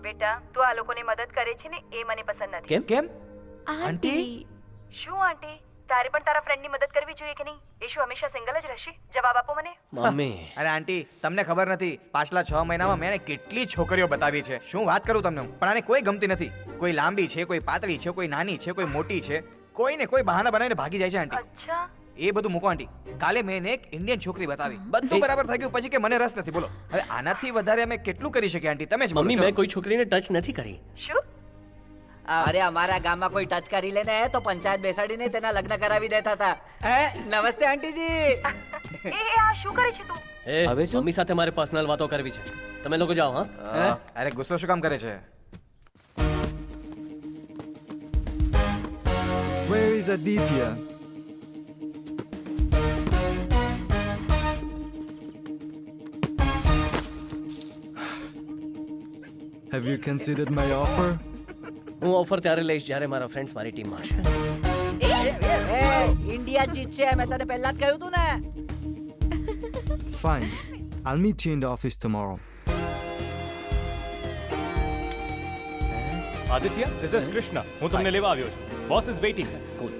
બેટા તું આ લોકોની મદદ કરે છે ને એ મને પસંદ નથી. કેમ કેમ આંટી શું આંટી તારે પણ તારા ફ્રેન્ડની મદદ કરવી જોઈએ કે નહીં? એ શું હંમેશા સિંગલ જ રહેશે? જવાબ આપો મને. મમ્મી અરે આંટી તમને ખબર નથી પાછલા 6 મહિનામાં મેં કેટલી છોકરીઓ બતાવી છે. શું વાત કરું તમને હું. પણ આને કોઈ ગમતી નથી. કોઈ લાંબી છે, કોઈ પાતળી છે, કોઈ નાની છે, કોઈ મોટી છે. કોઈને કોઈ બહાના બનાવીને ભાગી જાય છે આંટી. અચ્છા એ બધું મૂકો આંટી. કાલે મેં એને એક ઇન્ડિયન છોકરી બતાવી. બધું બરાબર થઈ ગયું પછી કે મને રસ નથી. બોલો હવે આનાથી વધારે અમે કેટલું કરી શકીએ આંટી? તમે જ બોલો. મમ્મી ચલો. મેં કોઈ છોકરીને ટચ નથી કરી. શું? અરે અમારા ગામમાં કોઈ ટચ કરી લે ને તો પંચાયત બેસાડીને તેના લગ્ન કરાવી દેતા હતા. નમસ્તે આંટીજી. એ આ શું કરે છે તું? એ હવે શું? મમ્મી સાથે મારે પર્સનલ વાતો કરવી છે. તમે લોકો જાઓ. હા અરે ગુસ્સો શું કામ કરે છે? Where is Aditya? Have you considered my offer? હું ઓફર ત્યારે લઈશ જ્યારે મારા ફ્રેન્ડ્સ મારી ટીમમાં હશે. ઇન્ડિયા જીતશે મેં તને પહેલા જ કહ્યું તું ને. Fine. I'll meet you in the office tomorrow. Aditya, this is Krishna. હું તમને લેવા આવ્યો છું. Boss is waiting. Cool.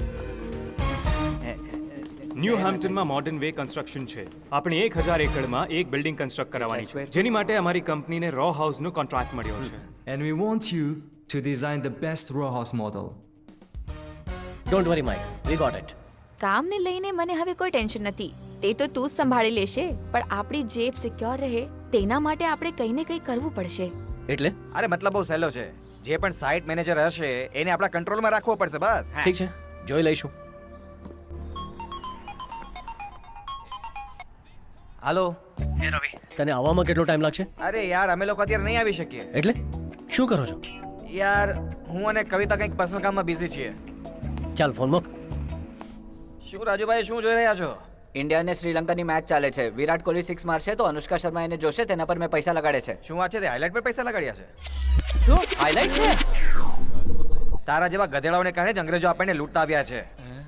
New હેમ્પટનમાં મોડર્ન વે કન્સ્ટ્રક્શન છે. આપણે 1000 એકડમાં એક બિલ્ડિંગ કન્સ્ટ્રક્ટ કરવાની છે, જેની માટે અમારી કંપનીને રો હાઉસનો કોન્ટ્રાક્ટ મળ્યો છે. And we want you to design the best row house model. Don't worry Mike, we got it. કામને લઈને મને હવે કોઈ ટેન્શન નથી. તે તો તું જ સંભાળી લેશે, પણ આપણી જેબ સિક્યોર રહે તેના માટે આપણે કંઈ ને કંઈ કરવું પડશે. એટલે અરે મતલબ બહુ સહેલો છે. જે પણ સાઇટ મેનેજર હશે એને આપણા કંટ્રોલમાં રાખવો પડશે બસ. ઠીક છે, જોઈ લઈશું. હાલો. તને આવવામાં કેટલો ટાઈમ લાગશે? અરે યાર અમે લોકો અત્યારે નહીં આવી શકીએ. એટલે શું કરો છો? યાર હું અને કવિતા કંઈક પર્સનલ કામમાં બિઝી છીએ. ચાલ ફોન મૂક. શું રાજુભાઈ શું જોઈ રહ્યા છો? ઇન્ડિયા અને શ્રીલંકાની મેચ ચાલે છે. વિરાટ કોહલી 6 મારશે તો અનુષ્કા શર્મા એને જોશે, તેના પર મેં પૈસા લગાડે છે. શું વાત છે? તે હાઇલાઇટ પર પૈસા લગાડ્યા છે? શું હાઇલાઇટ છે? તારા જેવા ગધેડાઓને કારણે જ અંગ્રેજો આપણને લૂંટતા આવ્યા છે.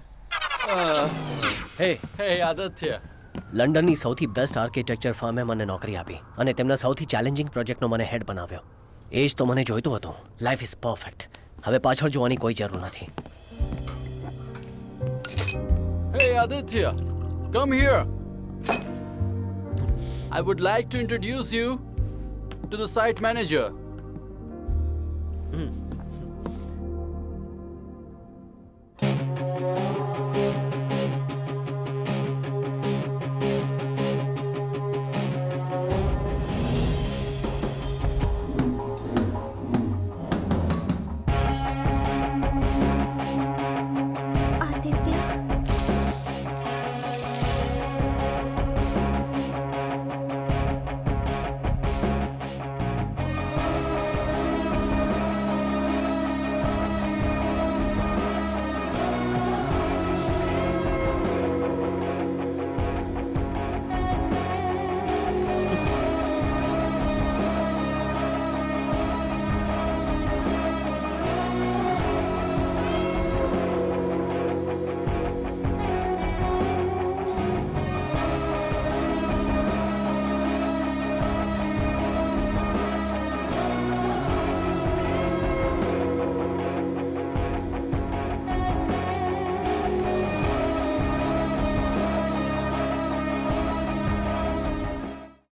હે હે આદિત્ય, લંડનની સૌથી બેસ્ટ આર્કિટેક્ચર ફર્મે મને નોકરી આપી અને તેમના સૌથી ચેલેન્જિંગ પ્રોજેક્ટનો મને હેડ બનાવ્યો. એ જ તો મને જોઈતું હતું. Life is perfect. હવે પાછળ જોવાની કોઈ જરૂર નથી. હે Aditya, come here. I would like to introduce you to the site manager.